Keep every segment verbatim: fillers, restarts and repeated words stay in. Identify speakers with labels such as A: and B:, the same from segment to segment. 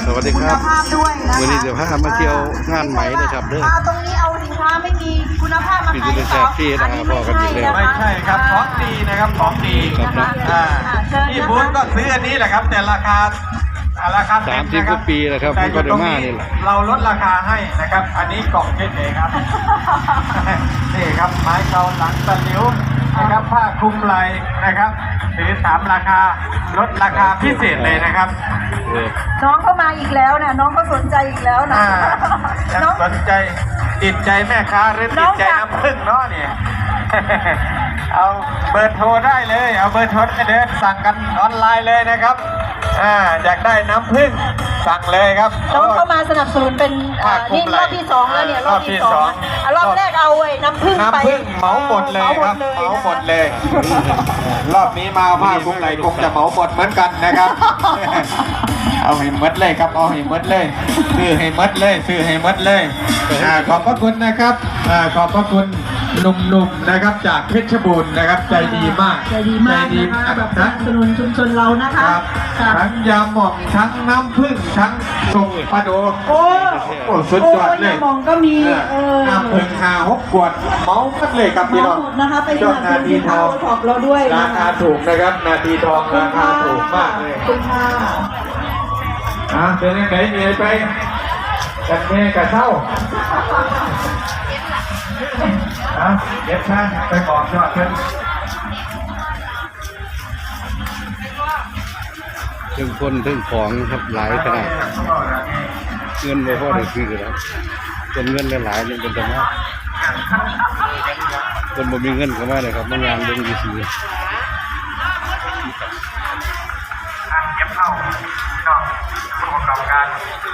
A: สวัสดีครับ
B: คุณภาพด้วยนะคะ
A: วันนี้จะพามาเที่ยวงานไหมนะครับเด้อ
B: มาตรงนี้เอาสินค้าไม่มีคุณภาพมาขายหรือเปล่า
A: มีที่แซ่บที่
B: อันนี้ไม่
A: พอกันอยู่
B: ใช่
A: แล้ว
B: นะ
C: ไม่
B: คะ
C: ใช่ครับของดีนะครับของดี
A: ครับนะ
C: อ่า
B: เชิญ
C: ที่
B: นะ
C: บูธก็
B: คะ
C: ซื้ออันนี้แหละครับ แต่ราคาอ่าราคาเต็ม
A: สามสิบ
C: นะค
A: ก
C: รับ
A: ว่าปีแล้วครับ
C: แต่
A: ผมก็
C: อยู่
A: ได้
C: ตรง
A: มา
C: นี้
A: นี่แหละ
C: เราลดราคาให้นะครับ อันนี้กล่องเช่นเองครับ นี่ครับไม้เกาหลังตะหลิวนะครับผ้าคลุมไหล่นะครับถือสามราคาลดราคาพิเศษเลยนะครับ
A: เออ
B: น้องเข้ามาอีกแล้วนะน้องก็สนใจอีกแล้วนะ
C: อ่ายัง
B: น้อง
C: สนใจติดใจแม่ค้าหรือ
B: น้
C: ติ
B: อ
C: ด
B: ง
C: ใจ
B: อยาก
C: น้ำผึ้งเนาะเนี่ย เอาเบอร์โทรได้เลย เอาเบอร์โทรได้เลยสั่งกันออนไลน์เลยนะครับอ่าอยากได้น้ำผึ้งสั่งเลยครับ
B: น้องเข้ามาสนับสนุนเป็นอ่า
C: ผ้าคลุ
B: นี่
C: ม
B: ร
C: ไหล่
B: อบที่สองแล้วเนี่ยรอบที่
C: รอบที่
B: สอง
C: สอง
B: อ่ะรอบแรกเอาไอ้น้ำผึ้งไป
C: น้ำผึ้งเหมาหมดเลยครับเหมาหมดเลย รอบนี้มาผ้าคลุมไหล่คงจะเหมาหมดเหมือนกันนะครับ เอาให้หมดเลยครับเอาให้หมดเลยซื้อให้หมดเลยซื้อให้หมดเลยอ่าขอบพระคุณนะครับอ่าขอบพระคุณหนุ่มๆนะครับจากเพชรบูรณ์นะครับใจดีมาก
B: ใจดีมากนะคะแบบสนับสนุนชุมชนเรานะ
C: ค
B: คะ
C: รับ
B: ค่ะ
C: ทั้งยาหม่องทั้งน้ำผึ้งทั้งสุกปลาโด
B: โอ้
C: โอ้สุดยอดเลย
B: โยมองก็มี
C: เออ
B: เออ
C: น้ำผึ้งหาหกขวดเมาคัดเลยครับพี่น้อง
B: หมดนะคะไปส
C: ยอด
B: นับส
C: นา
B: นุน
C: ที
B: สิน
C: ท
B: ค้า
C: อง
B: โอท็อปเราด้วย
C: รา
B: นะ
C: คา
B: คะ
C: ถูกนะครับ นาทีทองราคาถูกมากเลย
B: ขอบคุณค่ะ
C: อ่ะเป็นยังไงเหนื่อยไปกันแม่กับเศร้าอ่ะเย็บช่างไปบอกยอดเพิ่น
A: ถึงคนถึงของครับหลายขนาดเงินไม่พอได้ซื้อแล้วเป็นเงินหลายๆยังเป็นธรรมะคนบ่มีเงินก็มาเลยครับมางานเรื่องดีซี
C: เก็บเข้าพี่น้องผู้ประกอบการ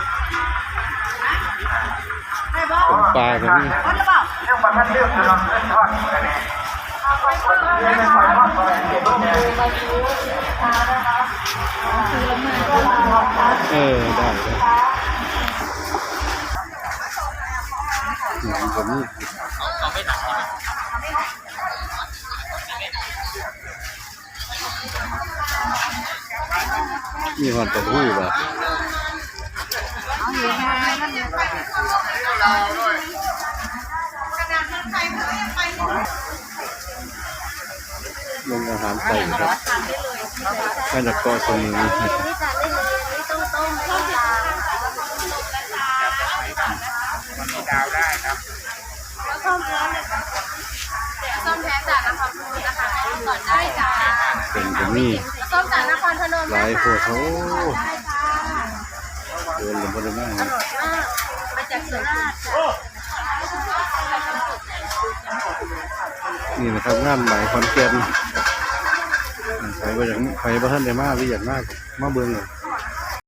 A: ของปลาก็มี
C: เรื่องประทัดเรื่องจะนำเรื่องทอดกันเนี่ยเรื่องปล่อยทอดปล่อยเก็บเนี่ย
A: เออได้ได้หนังก็มีมีหอนตะหู้ป่ะลงอาหารใส่ครับมาจากเกาะสมุย
D: ส้มแท้จากนครพนมนะคะก่อนได้จ้า
A: เป็นก็มี
D: ส้มจากนครพนม
A: หลายโพดโอ้
D: ได้ค่ะ
A: เดินลงไปได้มาก
D: อร่อยมากมาจากสุราษฎร์จ้ะ
A: นี่นะครับงานไหมคอนแกนใครบ่อยากใครบ่ท่านได้มากหรืออยากมากมาเบิ่งเลย